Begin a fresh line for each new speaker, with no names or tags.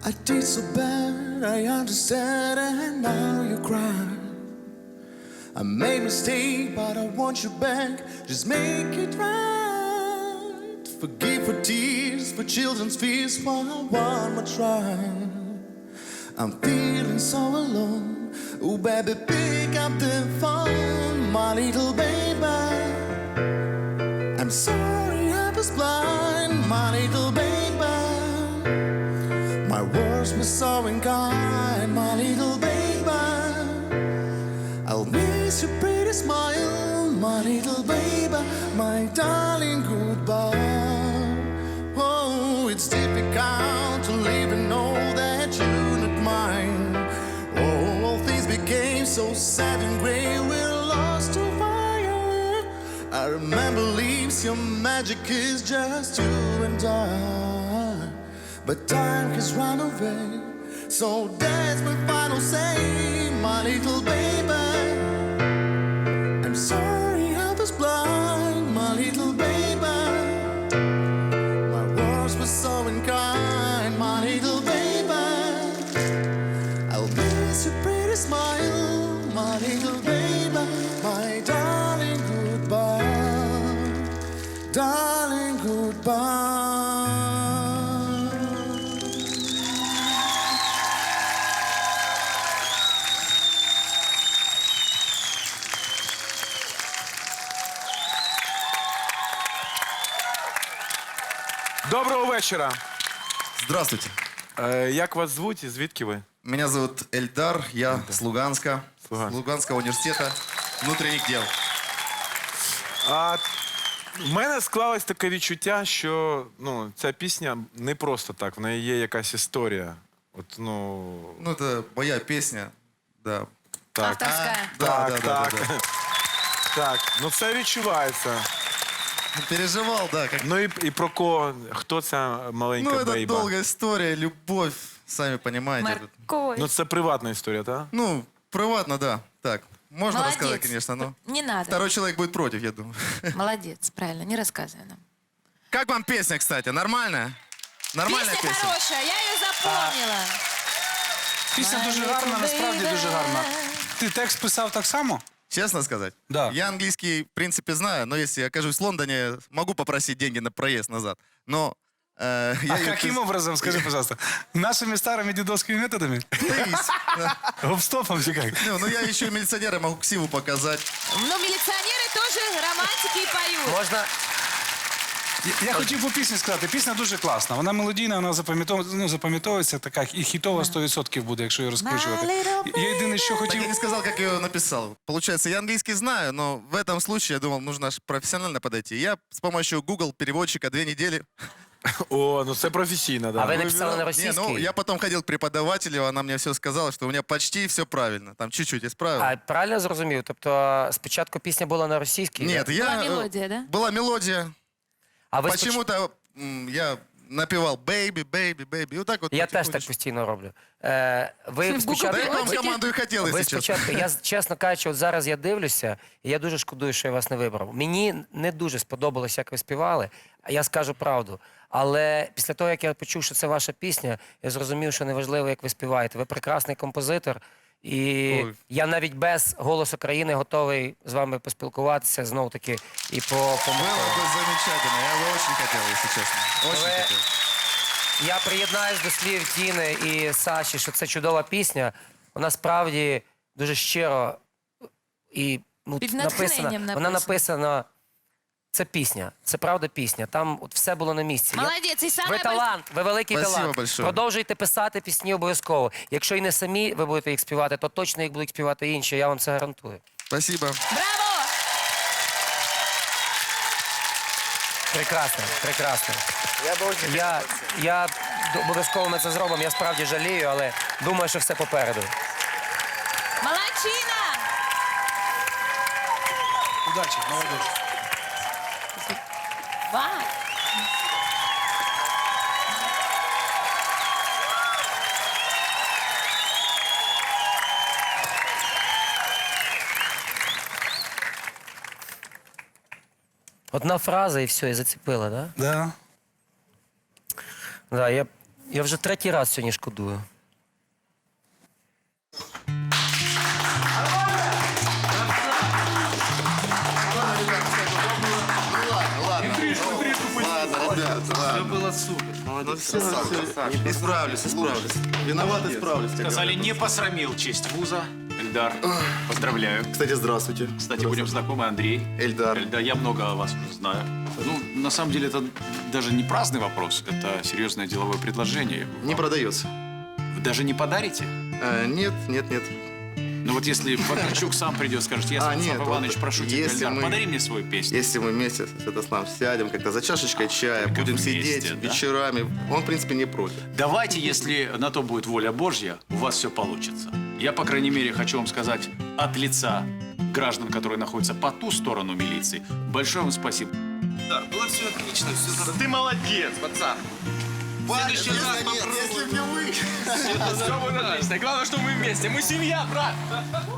I did so bad, I understand, and now you cry. I made a mistake, but I want you back. Just make it right. Forgive for tears, for children's fears, for one more try. I'm feeling so alone. Oh, baby, pick up the phone, my little baby. I'm sorry I was blind, my little baby. My words were so unkind, my little baby. I'll miss your pretty smile, my little baby, my darling, goodbye. Oh, it's difficult to live and know that you're not mine. Oh, things became so sad and grey, we're lost to fire. I remember leaves, your magic is just you and I. But time has run away, so that's my final say, my little baby. I'm sorry I was blind, my little baby. My words were so unkind, my little baby. I'll miss your pretty smile, my little baby. My darling, goodbye. Darling, goodbye.
Доброго вечора.
Здравствуйте.
Як вас звуть і звідки ви?
Меня зовут Эльдар, я с Луганска,
Луганск.
с Луганского университета внутренних дел.
В мене склалось таке відчуття, що ця пісня не просто так, в неї є якась історія.
Ну, это моя песня, да.
Так,
Авторская.
так. Так, це відчувається.
Переживал, да. Как...
Ну і про кого? Хто ця маленька
Ну, это
бейба?
долгая история, любовь, сами понимаете.
Морковь.
Це приватна історія, так?
Ну, приватно, да. Так, можно
Молодец.
рассказать, конечно, но
Не надо.
второй человек будет против, я думаю.
Молодец, правильно, не рассказывай нам.
Как вам песня, кстати, нормальная? Нормальная
Песня
песня?
хорошая, я ее запомнила.
Пісня дуже гарна, насправді дуже гарна. Ти текст писав так само?
Честно сказать?
Да.
Я английский, в принципе, знаю, но если я окажусь в Лондоне, могу попросить деньги на проезд назад. Но... я
А
её
каким образом, скажи, пожалуйста? Нашими старыми дедовскими методами? Гоп-стопом или как?
Ну, я еще милиционера могу ксиву показать.
Ну, милиционеры тоже романтики и поют.
Можна
Я хотів по пісні сказати. Пісня дуже класна. Вона мелодійна, вона запам'ятовується, така і хітова 100% буде, якщо її розкручувати. Я єдине, що
Так
хотів...
я не сказал, как я ее написал. Получается, я английский знаю, но в этом случае, я думал, нужно аж профессионально подойти. Я с помощью Google переводчика 2 недели...
О, це професійно,
А
да.
ви написали на
Не,
російській?
ну, я потом ходил к преподавателю, она мне все сказала, что у меня почти все правильно. Там чуть-чуть исправил.
А правильно я зрозумів? Тобто спочатку пісня була на російській?
Нет,
да?
я...
Была мелодия, да?
Была мелодия.
А ви
Почему-то я напевал «бэйби, бэйби, бэйби». И вот так вот
Я теж так
потихонечку.
постійно роблю.
В
Ви
Google
спочатку...
Да я к вам
Переводчики?
команду и хотел,
Ви
если честно.
спочатку, я чесно кажучи, от зараз я дивлюся, і я дуже шкодую, що я вас не вибрав. Мені не дуже сподобалось, як ви співали, а я скажу правду. Але після того, як я почув, що це ваша пісня, я зрозумів, що неважливо, як ви співаєте. Ви прекрасний композитор, і
Ой.
я навіть без «Голосу країни» готовий з вами поспілкуватися знов-таки і
Было бы замечательно. Я бы очень хотел, если честно. Очень
Вы-
хотел.
Я приєднаюсь до слів Тіни і Саші, що це чудова пісня. Вона справді дуже щиро і
Під
написана.
натхненням
Вона
написана.
написана. Це пісня, це правда пісня. Там от все було на місці.
Молодец, и самое
Ви талант, ви великий
Спасибо
талант.
большое.
Продовжуйте писати пісні обов'язково. Якщо і не самі ви будете їх співати, то точно їх будуть співати інші. Я вам це гарантую.
Спасибо.
Браво!
Прекрасно, прекрасно. Я обов'язково ми це зробимо. Я справді жалію, але думаю, що все попереду.
Молодчина!
Удачі, молодець.
Вау!
Одна фраза і все, і зацепила, да?
Да.
Да, Я вже третій раз сьогодні шкодую.
Исправлюсь. Виноват, исправлюсь.
Сказали, не посрамил честь вуза. Эльдар, поздравляю.
Кстати, здравствуйте.
Кстати, будем знакомы, Андрей.
Эльдар.
Эльдар, я много о вас знаю. Ну, на самом деле, это даже не праздный вопрос, это серьезное деловое предложение.
Не продается.
Вы даже не подарите?
Нет.
Ну вот если Вакарчук сам придет, скажет, я,
нет,
Станислав Иванович,
вот
прошу тебя,
если
Эльдар,
мы-
подари мне свою песню.
Если мы вместе с Святославом сядем как-то за чашечкой чая,
Только
будем
вместе,
сидеть
да?
вечерами, он, в принципе, не против.
Давайте, если на то будет воля Божья, у вас все получится. Я, по крайней мере, хочу вам сказать от лица граждан, которые находятся по ту сторону милиции, большое вам спасибо.
Ты молодец, пацан.
Главное, что мы вместе. Мы семья, брат.